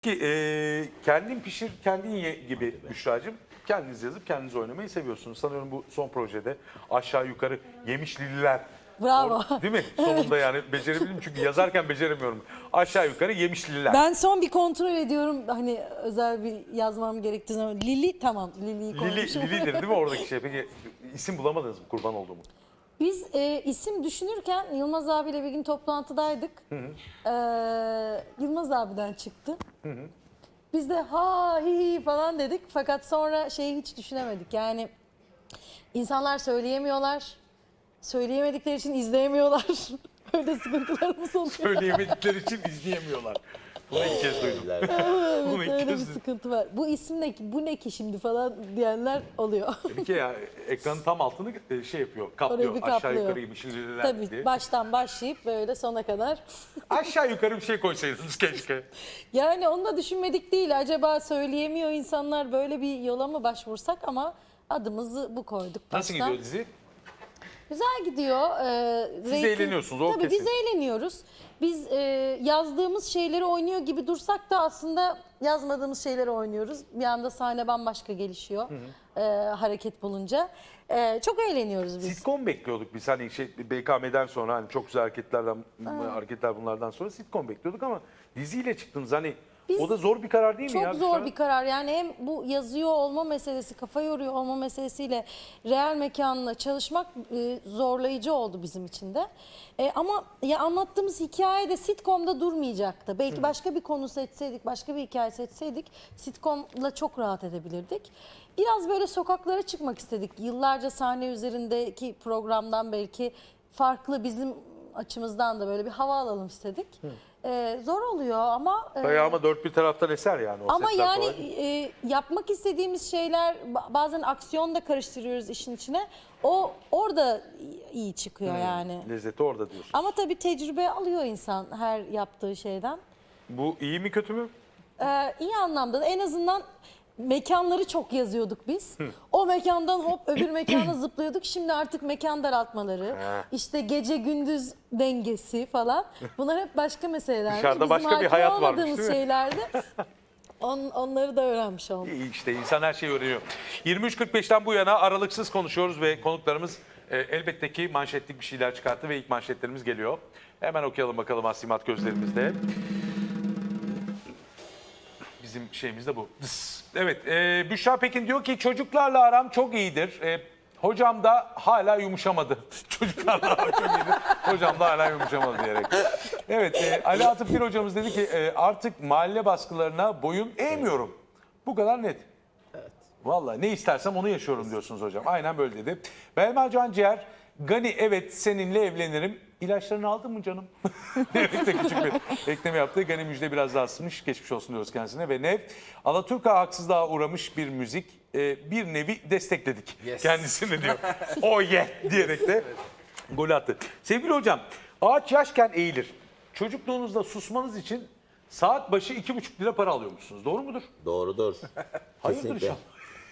Ki kendin pişir, kendin ye gibi Büşra'cığım. Kendiniz yazıp kendiniz oynamayı seviyorsunuz. Sanıyorum bu son projede aşağı yukarı Yemişlililer. Bravo. Değil mi? Sonunda yani becerebildim çünkü yazarken beceremiyorum. Aşağı yukarı Yemişlililer. Ben son bir kontrol ediyorum hani özel bir yazmam gerektiği zaman. Lili tamam Lili'yi koymuşum. Lili'dir değil mi oradaki şey? Peki isim bulamadınız mı kurban olduğumu? Biz isim düşünürken Yılmaz abiyle bir gün toplantıdaydık. Yılmaz abiden çıktı. Biz de ha hi hi falan dedik fakat sonra şeyi hiç düşünemedik. Yani insanlar söyleyemiyorlar. Söyleyemedikleri için izleyemiyorlar. Öyle sıkıntılarımız oluyor. Söyleyemedikleri için izleyemiyorlar. Bunu ilk kez duydum. Bunu ilk Öyle bir kez duydum. sıkıntı var. Bu isim ne ki, bu ne ki şimdi falan diyenler oluyor. Bir kere ya, ekranın tam altını şey yapıyor, kaplıyor. Orayı bir Aşağı kaplıyor. yukarı Yemişlililer Tabii diye. baştan başlayıp böyle sona kadar. Aşağı yukarı bir şey koysaydınız keşke. Yani onu da düşünmedik değil. Acaba söyleyemiyor insanlar böyle bir yola mı başvursak ama adımızı bu koyduk Nasıl baştan. gidiyor dizi? Güzel gidiyor. Siz eğleniyorsunuz, o Tabii kesin. biz eğleniyoruz. Biz yazdığımız şeyleri oynuyor gibi dursak da aslında yazmadığımız şeyleri oynuyoruz. Bir anda sahne bambaşka gelişiyor hareket bulunca. Çok eğleniyoruz biz. Sitcom bekliyorduk biz hani şey BKM'den sonra hani çok güzel hareketler bunlardan sonra sitcom bekliyorduk ama diziyle çıktınız hani o da zor bir karar değil mi Çok ya? zor bir karar. Yani hem bu yazıyor olma meselesi, kafa yoruyor olma meselesiyle real mekanla çalışmak zorlayıcı oldu bizim için de. Ama ya anlattığımız hikaye de sitcom'da durmayacaktı. Belki başka bir konu seçseydik, başka bir hikaye seçseydik sitcom'la çok rahat edebilirdik. Biraz böyle sokaklara çıkmak istedik. Yıllarca sahne üzerindeki programdan belki farklı bizim açımızdan da böyle bir hava alalım istedik. Zor oluyor ama... Dayağıma dört bir taraftan eser yani o Ama setler yani kolay değil. yapmak istediğimiz şeyler bazen aksiyon da karıştırıyoruz işin içine. O orada iyi çıkıyor yani. Lezzeti orada diyorsun. Ama tabii tecrübe alıyor insan her yaptığı şeyden. Bu iyi mi kötü mü? İyi anlamda da en azından mekanları çok yazıyorduk biz. O mekandan hop öbür mekana zıplıyorduk. Şimdi artık mekan daraltmaları, işte gece gündüz dengesi falan. Bunlar hep başka meseleler. Dışarıda başka bir hakim hayat varmış, olmadığımız değil mi? şeylerdi. Onları da öğrenmiş olduk. İyi işte insan her şeyi öğreniyor. 23.45'ten bu yana aralıksız konuşuyoruz ve konuklarımız elbette ki manşetlik bir şeyler çıkarttı ve ilk manşetlerimiz geliyor. Hemen okuyalım bakalım Asimat gözlerimizde. Bizim şeyimiz de bu. Evet, Büşra Pekin diyor ki çocuklarla aram çok iyidir. Hocam da hala yumuşamadı. Çocuklarla aram çok iyidir. Hocam da hala yumuşamadı diyerek. Evet, Ali Atıf Bir hocamız dedi ki artık mahalle baskılarına boyun eğmiyorum. Bu kadar net. Vallahi ne istersem onu yaşıyorum diyorsunuz hocam. Aynen böyle dedi. Belma Can Ciğer, Gani evet seninle evlenirim. İlaçlarını aldın mı canım? Evet de küçük bir ekleme yaptı. Gani Müjde biraz daha ısınmış. Geçmiş olsun diyoruz kendisine. Ve Nev, Alaturka haksızlığa uğramış bir müzik. Bir nevi destekledik kendisini diyor. Oh yeah diyerek de gol attı. Sevgili hocam, ağaç yaşken eğilir. Çocukluğunuzda susmanız için saat başı 2,5 lira para alıyormuşsunuz. Doğru mudur? Doğrudur. Hayırdır Kesinlikle. inşallah.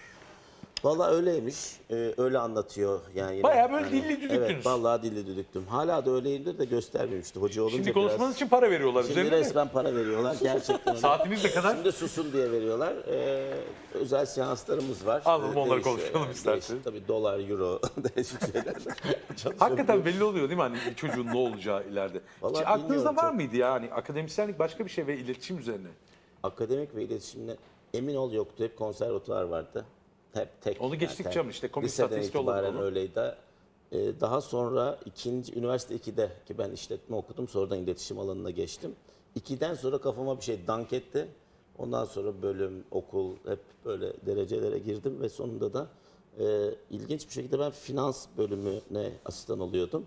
Vallahi öyleymiş. Öyle anlatıyor yani. Yine. Bayağı böyle Yani, dilli düdüktünüz. Evet, vallahi dilli düdüktüm. Hala da öyleyimdir de göstermemişti. Hoca olunca Şimdi konuşmanız biraz. için para veriyorlar Şimdi üzerine mi? resmen para veriyorlar gerçekten. Saatiniz ne kadar? Şimdi susun diye veriyorlar. Özel seanslarımız var. Anladım, onları Değişiyor konuşalım yani. isterseniz. Değişik, tabii dolar, euro, değişik şeyler. Hakikaten belli oluyor değil mi hani bir çocuğun ne olacağı ileride? Vallahi Hiç aklınızda bilmiyorum var çok. mıydı ya hani akademisyenlik başka bir şey ve iletişim üzerine? Akademik ve iletişimle emin ol yoktu. Hep konservatuvar vardı. Hep tek. Onu geçtik tek. canım, işte komik Liseden statüstü olarak itibaren onu. öyleydi. Daha sonra üniversite 2'de ki ben işletme okudum. Sonradan iletişim alanına geçtim. 2'den sonra kafama bir şey dank etti. Ondan sonra bölüm, okul hep böyle derecelere girdim ve sonunda da ilginç bir şekilde ben finans bölümüne asistan oluyordum.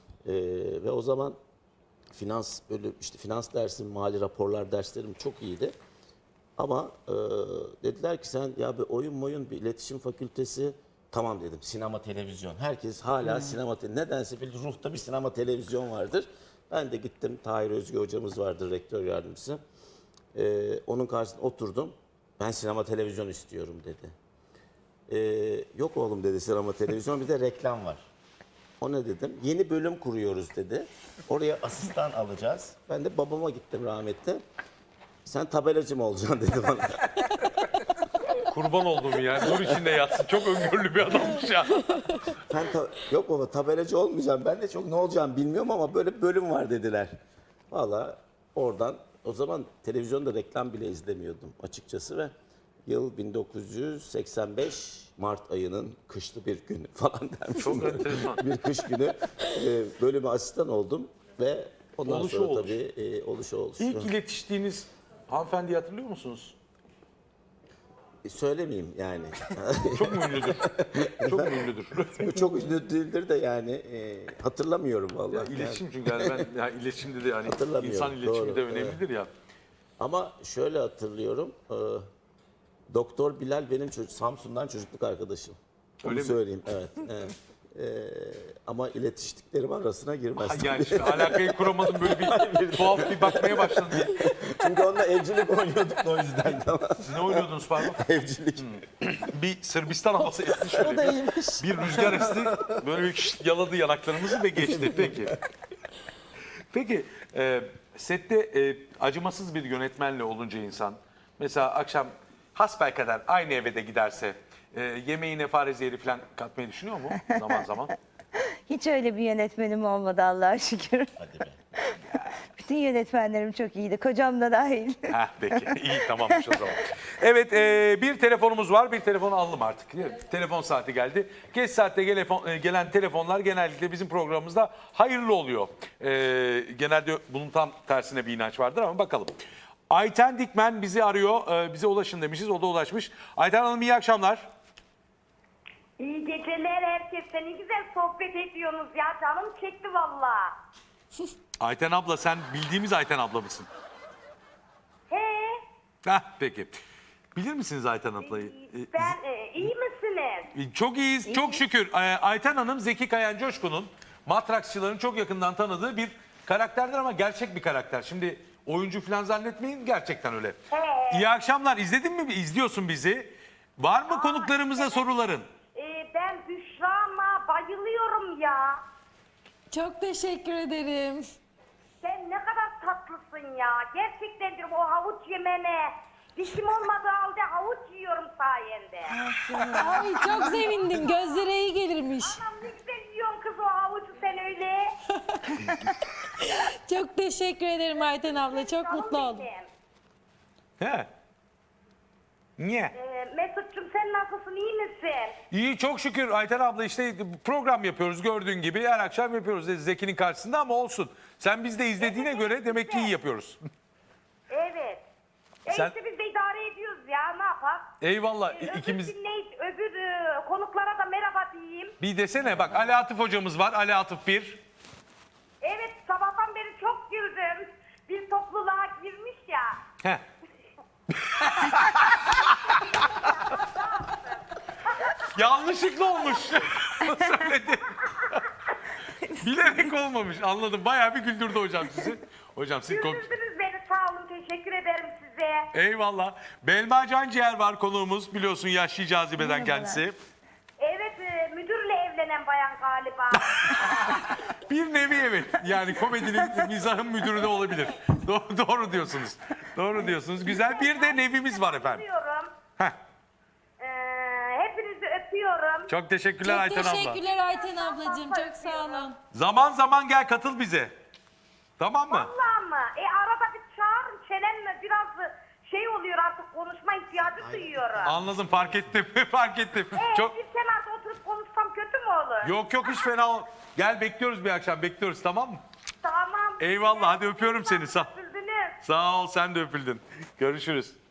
Ve o zaman finans bölüm, işte finans dersim, mali raporlar derslerim çok iyiydi. Ama dediler ki sen ya bir oyun bir iletişim fakültesi, tamam dedim, sinema televizyon. Herkes hala sinema nedense bir ruhta bir sinema televizyon vardır. Ben de gittim, Tahir Özge hocamız vardır, rektör yardımcısı. Onun karşısında oturdum. Ben sinema televizyon istiyorum dedi. Yok oğlum dedi, sinema televizyon, bir de reklam var. O ne dedim? Yeni bölüm kuruyoruz dedi. Oraya asistan alacağız. Ben de babama gittim rahmetli. Sen tabelacı mı olacaksın dedi bana. Kurban olduğum ya. Nur içinde yatsın. Çok öngörülü bir adammış ya. Yok baba tabelacı olmayacağım. Ben de çok ne olacağım bilmiyorum ama böyle bir bölüm var dediler. Valla oradan o zaman televizyonda reklam bile izlemiyordum açıkçası ve yıl 1985 Mart ayının kışlı bir günü falan dermişim. Çok enteresan. Bir kış günü bölüme asistan oldum ve ondan Oluşu sonra olmuş. tabii oluşu. İlk iletiştiğiniz hanımefendiyi hatırlıyor musunuz? Söylemeyeyim yani. Çok mu ünlüdür? Çok mu ünlüdür? Çok ünlü değildir de yani hatırlamıyorum vallahi. Ya iletişim çünkü yani ben ya iletişimde de yani Hatırlamıyorum, insan iletişimi doğru, de önemlidir ya. Ama şöyle hatırlıyorum. Doktor Bilal benim Samsun'dan çocukluk arkadaşım. Onu Öyle mi? söyleyeyim. Evet. evet. Ama iletiştiklerim arasına girmez. Yani şimdi alakayı kuramadım böyle bir tuhaf bir bakmaya başladım. Çünkü onunla evcilik oynuyorduk da o yüzden. Tamam. Siz ne oynuyordunuz pardon? Evcilik. Bir Sırbistan havası esti şöyle. O da iyiymiş. Bir rüzgar esti. Böyle bir yaladı yanaklarımızı ve geçti. Peki. Peki sette acımasız bir yönetmenle olunca insan mesela akşam hasbelkader aynı eve de giderse yemeğine fare zehri falan katmayı düşünüyor mu zaman zaman? Hiç öyle bir yönetmenim olmadı Allah'a şükür. Hadi be. Bütün yönetmenlerim çok iyiydi. Kocam da dahil. Heh, peki iyi tamammış o zaman. Evet bir telefonumuz var. Bir telefonu aldım artık. Telefon saati geldi. Geç saatte gelen telefonlar genellikle bizim programımızda hayırlı oluyor. Genelde bunun tam tersine bir inanç vardır ama bakalım. Ayten Dikmen bizi arıyor. Bize ulaşın demişiz. O da ulaşmış. Ayten Hanım iyi akşamlar. İyi geceler herkese. Ne güzel sohbet ediyorsunuz ya. Canım çekti valla. Ayten abla sen bildiğimiz Ayten abla mısın? He. Heh, peki. Bilir misiniz Ayten ablayı? Ben iyi misiniz? Çok iyiyiz, çok şükür. Ayten Hanım Zeki Kayan Coşkun'un matrakçıların çok yakından tanıdığı bir karakterdir ama gerçek bir karakter. Şimdi oyuncu falan zannetmeyin, gerçekten öyle. İyi akşamlar. İzledin mi? İzliyorsun bizi. Var mı konuklarımıza soruların? Ben Büşra'ma bayılıyorum ya. Çok teşekkür ederim. Sen ne kadar tatlısın ya. Gerçekten diyorum o havuç yemene. Dişim olmadığı halde havuç yiyorum sayende. Ay çok sevindim. Gözlere iyi gelirmiş. Anam ne güzel yiyorsun kız o havucu sen öyle. Çok teşekkür ederim Ayten abla. Çok Canım mutlu oldum. benim. He. Niye? Mesut'cum sen nasılsın iyi misin? İyi çok şükür Ayten abla işte program yapıyoruz gördüğün gibi her akşam yapıyoruz Zeki'nin karşısında ama olsun. Sen biz de izlediğine göre demek ki iyi yapıyoruz. Evet. Sen- İşte biz de idare ediyoruz ya ne yapalım? Eyvallah Öbür ikimiz. öbür konuklara da merhaba diyeyim. Bir desene bak Ali Atıf hocamız var Ali Atıf 1. Evet sabahtan beri çok güldüm. Bir topluluğa girmiş ya. Heh. Yanlışlıkla olmuş. Söyledi. Bilerek olmamış. Anladım. Bayağı bir güldürdü hocam sizi. Hocam siz Güldürdünüz beni sağ olun teşekkür ederim size. Eyvallah. Belma Canciğer var konuğumuz. Biliyorsun yaşlı cazibeden Merhabalar. kendisi. Evet müdürle evlenen bayan galiba. Bir nevi evet. Yani komedinin, mizahın müdürü de olabilir. Doğru diyorsunuz. Doğru diyorsunuz. Güzel. Bir de nevimiz var efendim. Öpüyorum. Heh. Hepinizi öpüyorum. Çok teşekkürler Çok Ayten abla. teşekkürler Ayten ablacığım. Çok sağ olun. Zaman zaman gel katıl bize. Tamam mı? Vallahi mı? Arada bir çağırın çelenme biraz şey oluyor artık konuşma ihtiyacı duyuyorum. Anladım fark ettim. Fark ettim. Çok Bir kenarda oturup konuşsam kötü mü olur? Yok hiç fena ol. Gel bekliyoruz bir akşam bekliyoruz tamam mı? Tamam. Eyvallah, hadi öpüyorum seni, sağ- Üzüldünüz. Sağ ol sen de öpüldün. Görüşürüz.